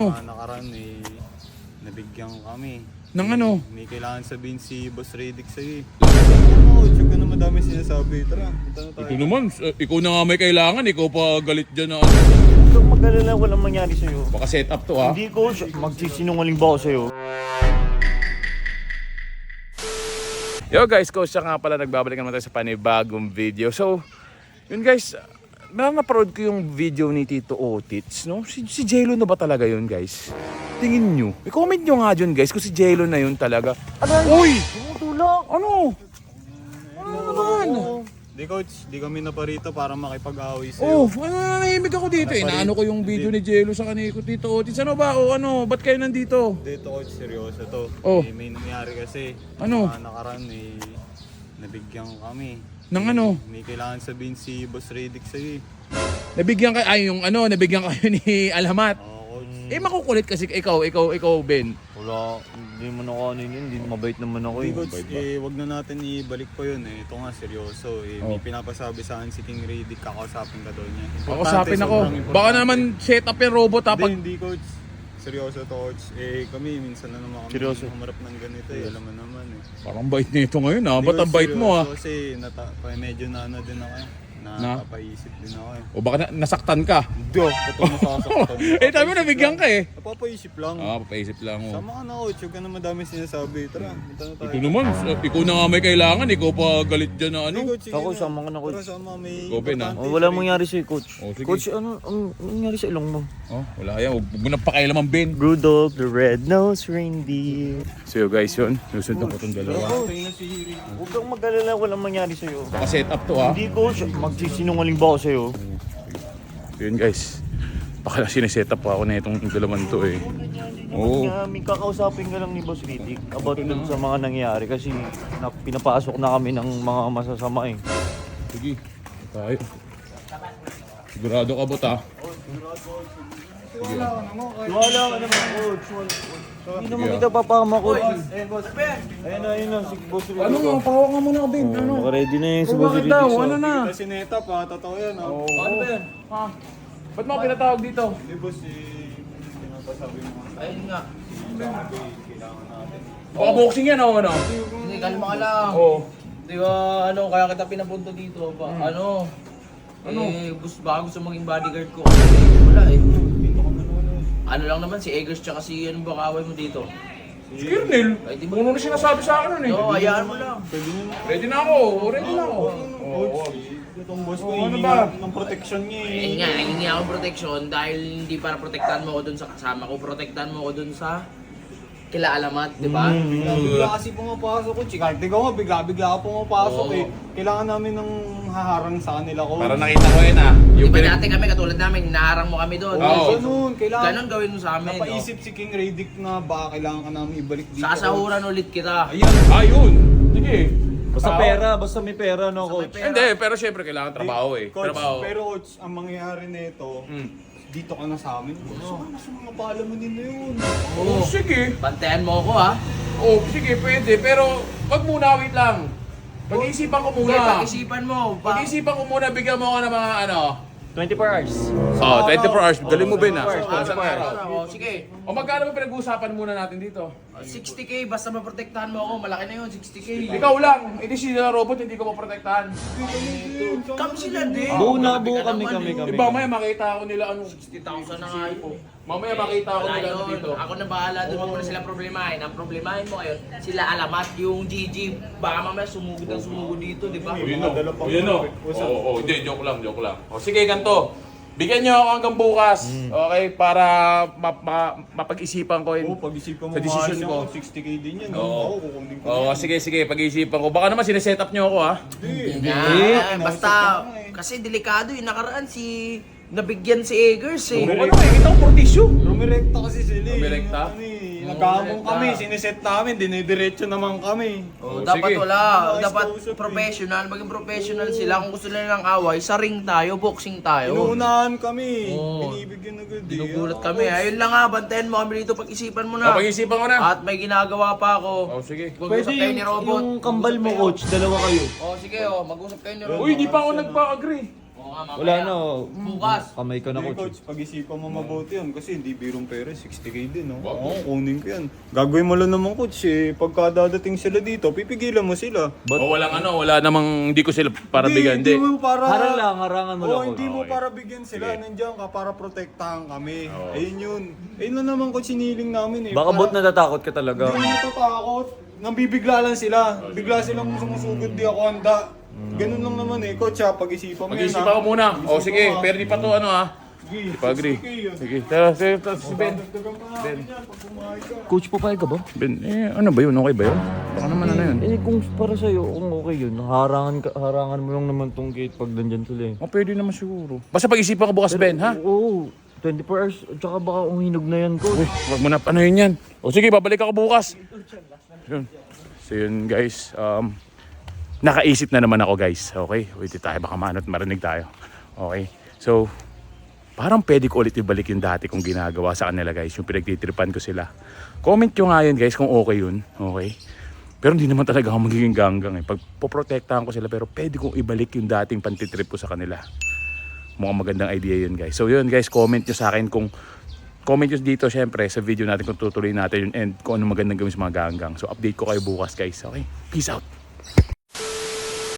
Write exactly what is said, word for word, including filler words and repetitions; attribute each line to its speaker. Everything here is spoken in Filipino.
Speaker 1: Uh, nakaraan eh, nabigyan kami.
Speaker 2: Nang ano?
Speaker 1: May kailangan sabihin si Boss Redick sa'yo eh. Oo, tsaka ka na madami sinasabi. Tara, punta na tayo.
Speaker 2: Ito naman, uh, ikaw na nga may kailangan, ikaw pa galit dyan na ano.
Speaker 3: Huwag kang mag-alala, walang mangyari sa'yo.
Speaker 2: Baka set up to ha.
Speaker 3: Hindi coach, magsisinungaling ba ako sa'yo?
Speaker 2: Yo guys, coach siya nga pala, nagbabalik naman tayo sa panibagong video. So, yun guys, na-upload ko yung video ni Tito Otits, no? Si, si Jello na ba talaga yun guys? Tingin nyo. I-comment nyo nga dyan guys kung si Jello na yun talaga. Ano? Uy!
Speaker 3: Tumutulak!
Speaker 2: Ano? Ano naman?
Speaker 1: Di coach, di kami naparito para makipag-away
Speaker 2: Oh,
Speaker 1: sa'yo.
Speaker 2: ano, nanahimik ako dito eh. Naano ko yung video ni Jello sa kanila ko, Tito Otits. Ano ba? O ano? Ba't kayo nandito?
Speaker 1: Dito coach, seryoso to.
Speaker 2: Oh.
Speaker 1: Eh, may nangyari kasi.
Speaker 2: Ano?
Speaker 1: Uh, nakaraan eh, nabigyan kami.
Speaker 2: Nang ano?
Speaker 1: May kailangan sabihin si Boss Redick sa'yo eh.
Speaker 2: Nabigyan kayo, ay yung ano, nabigyan kayo ni Alhamat.
Speaker 1: Oo coach.
Speaker 2: Eh makukulit kasi ikaw, ikaw, ikaw Ben.
Speaker 3: Wala, hindi mo na ako ano yun, hindi mabait naman ako
Speaker 1: Hindi
Speaker 3: eh.
Speaker 1: coach, eh, wag na natin ibalik pa yun eh. Ito nga, seryoso eh. May
Speaker 2: Oh.
Speaker 1: pinapasabi sa akin si King Redick, kakausapin ka daw niya.
Speaker 2: Kakusapin ako.
Speaker 1: sobrang importante.
Speaker 2: Baka naman set up yung robot ha.
Speaker 1: Hindi,
Speaker 2: Pag...
Speaker 1: hindi coach. Seryoso to coach. Eh kami, minsan na naman kami
Speaker 3: Seryoso?
Speaker 1: humarap ng ganito eh. Alam mo naman eh.
Speaker 2: Parang bait nito ngayon ha.
Speaker 1: Hindi,
Speaker 2: Ba't ang
Speaker 1: coach,
Speaker 2: bait mo ha?
Speaker 1: seryoso Kasi nata- pa- medyo na ano din ako eh. Napapaisip din ako eh.
Speaker 2: O baka na- nasaktan ka.
Speaker 1: Hindi oh, ito nasasaktan.
Speaker 2: Eh tayo mo nabigyan ka eh.
Speaker 1: Napapaisip lang.
Speaker 2: Ah, papaisip lang mo.
Speaker 1: Sama ka na coach, huwag ka na madami sinasabi. Tara, punta na tayo.
Speaker 2: Ito naman, uh, ikaw na nga may kailangan. Ikaw pa galit dyan na ano.
Speaker 1: Hindi, coach, sige
Speaker 3: Ako,
Speaker 1: na.
Speaker 3: sama ka na, coach.
Speaker 1: Tara, sama, may
Speaker 2: Open, ah.
Speaker 1: importante
Speaker 3: Oh, wala
Speaker 1: si
Speaker 3: mangyari sa'yo coach.
Speaker 2: Oh, sige.
Speaker 3: Coach, ano ang ang nangyari sa ilong mo?
Speaker 2: Oh, wala yan. Huwag mo nang pakialaman Ben.
Speaker 3: Rudolph the Red-Nosed Reindeer.
Speaker 2: So guys yun, nusunod ko itong dalawa.
Speaker 1: Tingnan na si Redick.
Speaker 3: Huwag kang mag-alala, walang mangyari sa'yo.
Speaker 2: Baka set up to ha.
Speaker 3: Hindi coach, magsisinungaling ba ako sa'yo?
Speaker 2: So yun guys. Baka sineset up pa ako na itong dalaman to eh. Oo.
Speaker 3: Kaya may kakausapin ka lang ni Boss Redick about dun sa mga nangyayari kasi na, pinapasok na kami ng mga masasama eh.
Speaker 2: Sige, tayo. Sigurado ka ba ta?
Speaker 3: Wala ka naman coach. Hindi naman kita papama coach. Ayun boss. Ayun na, ayun na, si Boss Redick.
Speaker 2: Ano nga, pahawak nga muna ako Ben. Ano?
Speaker 3: Naka-ready na yung si
Speaker 2: Oh,
Speaker 3: Boss
Speaker 2: bakit
Speaker 3: Redick.
Speaker 2: daw?
Speaker 3: so-
Speaker 2: Ano na?
Speaker 1: Kasi neta pa, totoo yan ah.
Speaker 2: Oo. Ano ba yan? Ha? Ba't mo ako pinatawag dito?
Speaker 1: Hindi boss, eh, pinapasabi mo nga.
Speaker 4: Ayun nga.
Speaker 1: Sabi, kailangan natin.
Speaker 2: Baka boxing yan o ano?
Speaker 4: Hindi, kalma ka lang.
Speaker 2: Oo.
Speaker 4: Di ba, ano, kaya kita pinapunta dito. Ba, Ano? Ano? Eh, gusto, baka gusto maging bodyguard ko. Eh, wala eh. Ano lang naman, si Eggers tsaka si ano ba kaaway mo dito?
Speaker 2: Si Kernel.
Speaker 4: Ay, di ba?
Speaker 2: Puno na sinasabi sa akin nun eh.
Speaker 4: No, hayaan mo lang.
Speaker 1: Pwede nyo na.
Speaker 2: Ready na ako. Ready na ako.
Speaker 1: Coach, itong boss ko,
Speaker 2: Oo, ano
Speaker 1: hihingi
Speaker 2: ba?
Speaker 1: ng protection niya eh.
Speaker 4: Ayun nga, hihingi akong protection dahil hindi para protektahan mo ako dun sa kasama ko. Protektahan mo ako dun sa kila Alamat, di ba?
Speaker 1: Bigla kasi pumapasok ko, chika. Di ko nga, bigla-bigla ka pumapasok
Speaker 4: Oo.
Speaker 1: eh. Kailangan namin ng haharang sa kanila ko.
Speaker 2: Para nakita ko yun ah.
Speaker 4: Di
Speaker 2: Yung
Speaker 4: ba
Speaker 2: pinag-
Speaker 4: dati kami, katulad namin, hinaharang mo kami doon.
Speaker 2: Oo.
Speaker 1: Ganun, kailangan.
Speaker 4: Ganon gawin mo sa amin. no?
Speaker 1: Napaisip si King Redick na baka kailangan ka namin ibalik dito.
Speaker 4: Sasahuran ulit kita.
Speaker 1: Ayun.
Speaker 2: Ayun. Sige.
Speaker 3: Basta
Speaker 2: Tao.
Speaker 3: pera, basta may pera no coach.
Speaker 4: pera.
Speaker 2: Hindi, pero syempre kailangan trabaho eh.
Speaker 1: Coach,
Speaker 2: Trabaho.
Speaker 1: pero coach, ang mangyayari nito,
Speaker 2: Hmm.
Speaker 1: dito ka na sa amin. Gusto ka na sa mga palamunin na yun.
Speaker 2: Oh, sige.
Speaker 4: Bantayan mo ako ha.
Speaker 2: Oh, sige, pwede. Pero wag muna, wait lang. Pag-iisipan ko
Speaker 4: Hindi,
Speaker 2: muna.
Speaker 4: pag-isipan mo. Pa-
Speaker 2: Pag-iisipan ko muna, bigyan mo ako ng mga ano.
Speaker 3: twenty-four hours.
Speaker 2: Oh, twenty-four hours. Galing mo Ben ah.
Speaker 3: twenty-four hours.
Speaker 4: Oh, sige.
Speaker 2: O magkano ba pinag-uusapan muna natin dito?
Speaker 4: sixty K, basta maprotektahan mo ako, malaki na yun, sixty K.
Speaker 2: Ikaw lang. Hindi si robot, hindi ko maprotektahan.
Speaker 4: Kami sila din.
Speaker 3: Buo na buo kami kami kami.
Speaker 2: Iba, mamaya makita ako nila ano.
Speaker 4: sixty thousand na nga yun.
Speaker 2: Mamaya makita ako
Speaker 4: Wala
Speaker 2: nila ano
Speaker 4: yun.
Speaker 2: dito.
Speaker 4: Ako na bahala doon, huwag mo na sila problemahin. Ang problemahin mo ngayon, sila Alamat, yung G G. Baka mamaya sumugod ang sumugod dito, di ba?
Speaker 2: Yun o. Yun o. Oo, oo. Hindi, joke lang, joke lang. O sige, ganito. Bigyan niyo ako hanggang bukas. Okay? Para ma- ma- mapag-isipan ko
Speaker 1: Oo,
Speaker 2: yun.
Speaker 1: pag-isipan mo
Speaker 2: Sa decision
Speaker 1: maayos
Speaker 2: ko.
Speaker 1: yan, sixty K din yan.
Speaker 2: Oo.
Speaker 1: Ako, kukunin ko.
Speaker 2: Oo, sige, sige. Pag-isipan ko. Baka naman sineset up niyo ako ha.
Speaker 1: Hindi.
Speaker 4: Nga,
Speaker 1: Hindi.
Speaker 4: basta,
Speaker 1: eh.
Speaker 4: kasi delikado yung nakaraan si, nabigyan si Eggers eh.
Speaker 2: Oo, ano eh. Kita ko for tissue.
Speaker 1: Rumirekta kasi sila eh.
Speaker 2: Rumirekta?
Speaker 1: Ano eh, nagkahamong kami, siniset namin, dinidiretso naman kami.
Speaker 4: Oh,
Speaker 2: Oh,
Speaker 4: dapat
Speaker 2: sige.
Speaker 4: wala,
Speaker 1: Ayos
Speaker 4: dapat
Speaker 1: kausap eh.
Speaker 4: professional, maging professional sila. Kung gusto nila ng away, sa ring tayo, boxing tayo.
Speaker 1: Inuunahan kami,
Speaker 4: Oo.
Speaker 1: binibigyan agad eh.
Speaker 4: Ginugulat
Speaker 1: Ah,
Speaker 4: kami.
Speaker 1: coach.
Speaker 4: Ayun lang nga, bantayan mo kami dito, pag-isipan mo na.
Speaker 2: Pag-isipan ko na.
Speaker 4: At may ginagawa pa ako.
Speaker 2: Oh, sige.
Speaker 3: Pwede
Speaker 4: Mag-usap kayo
Speaker 3: yung,
Speaker 4: ni Robot.
Speaker 3: yung kambal mo
Speaker 4: Mag-usap kayo.
Speaker 3: coach, dalawa kayo.
Speaker 4: Oh, sige oh, mag-usap kayo ni Robot.
Speaker 2: Uy, di pa ako nagpa-agree.
Speaker 4: Oh, nga, mamaya.
Speaker 3: Wala na. oh.
Speaker 4: Bukas.
Speaker 3: Kamay ka na,
Speaker 1: Hindi,
Speaker 3: coach.
Speaker 1: coach, pag-isipan mo mabuti yun kasi hindi birong pera, sixty K din, no? Oo, kunin ko yan. Gagawin mo lang naman, coach, eh. Pagka dadating sila dito, pipigilan mo sila.
Speaker 2: O walang ano, wala namang, hindi ko sila para bigyan,
Speaker 1: Hindi
Speaker 2: hindi.
Speaker 1: mo para...
Speaker 3: Harang lang, harangan mo
Speaker 1: Oo,
Speaker 3: lang,
Speaker 1: hindi
Speaker 3: coach.
Speaker 1: mo
Speaker 2: Okay.
Speaker 1: para bigyan sila.
Speaker 2: Sige.
Speaker 1: Nandiyan ka para protektahan kami. Ayun yun. Ayun na naman, coach, siniling namin, eh.
Speaker 3: Baka
Speaker 1: Para-
Speaker 3: bot natatakot ka talaga.
Speaker 1: Hindi mo natatakot. Nambibigla lang sila. Bigla silang sumusugod, di ako handa. Ganun lang naman eh, coach, ha. Pag-isipan mo
Speaker 2: Mag-iisip
Speaker 1: ha.
Speaker 2: ako muna. O
Speaker 1: Mag-isip
Speaker 2: sige,
Speaker 1: ka, ha.
Speaker 2: pero di pa to ano ha.
Speaker 1: Sige,
Speaker 2: Pag-agree.
Speaker 1: sixty K yun.
Speaker 2: Sige, tara, sige, tara, si Ben.
Speaker 1: Dadagdagan pa namin yan pag pumayag ka.
Speaker 3: Coach, papayag ka ba?
Speaker 2: Ben, eh, ano ba yun? Okay ba yun? Baka naman ano yun.
Speaker 3: Eh, kung para sa'yo, kung okay yun, harangan, ka, harangan mo lang naman tong gate pag nandyan sila eh.
Speaker 2: O, pwede naman siguro. Basta pag-isipan ko bukas, Ben, ha?
Speaker 3: Oo, twenty-four hours, tsaka baka uminog na yan, coach.
Speaker 2: Uy, wag mo na, ano yun yan? O sige, babalik ako bukas. Yun. So yun, guys. Um, nakaisip na naman ako, guys. Okay? Wait tayo, baka manot marinig tayo. Okay? So, parang pwede ko ulit ibalik yung dati kong ginagawa sa kanila, guys. Yung pinagtitripan ko sila. Comment nyo nga yun, guys, kung okay yun. Okay? Pero hindi naman talaga ako magiging ganggang eh. Pag poprotektahan ko sila, pero pwede kong ibalik yung dating pantitrip ko sa kanila. Mukhang magandang idea yun, guys. So yun, guys, comment nyo sa akin kung comment nyo dito, syempre, sa video natin kung tutuloy natin yun and kung ano magandang gawin sa mga ganggang. So update ko kayo bukas, guys. Okay? Peace out!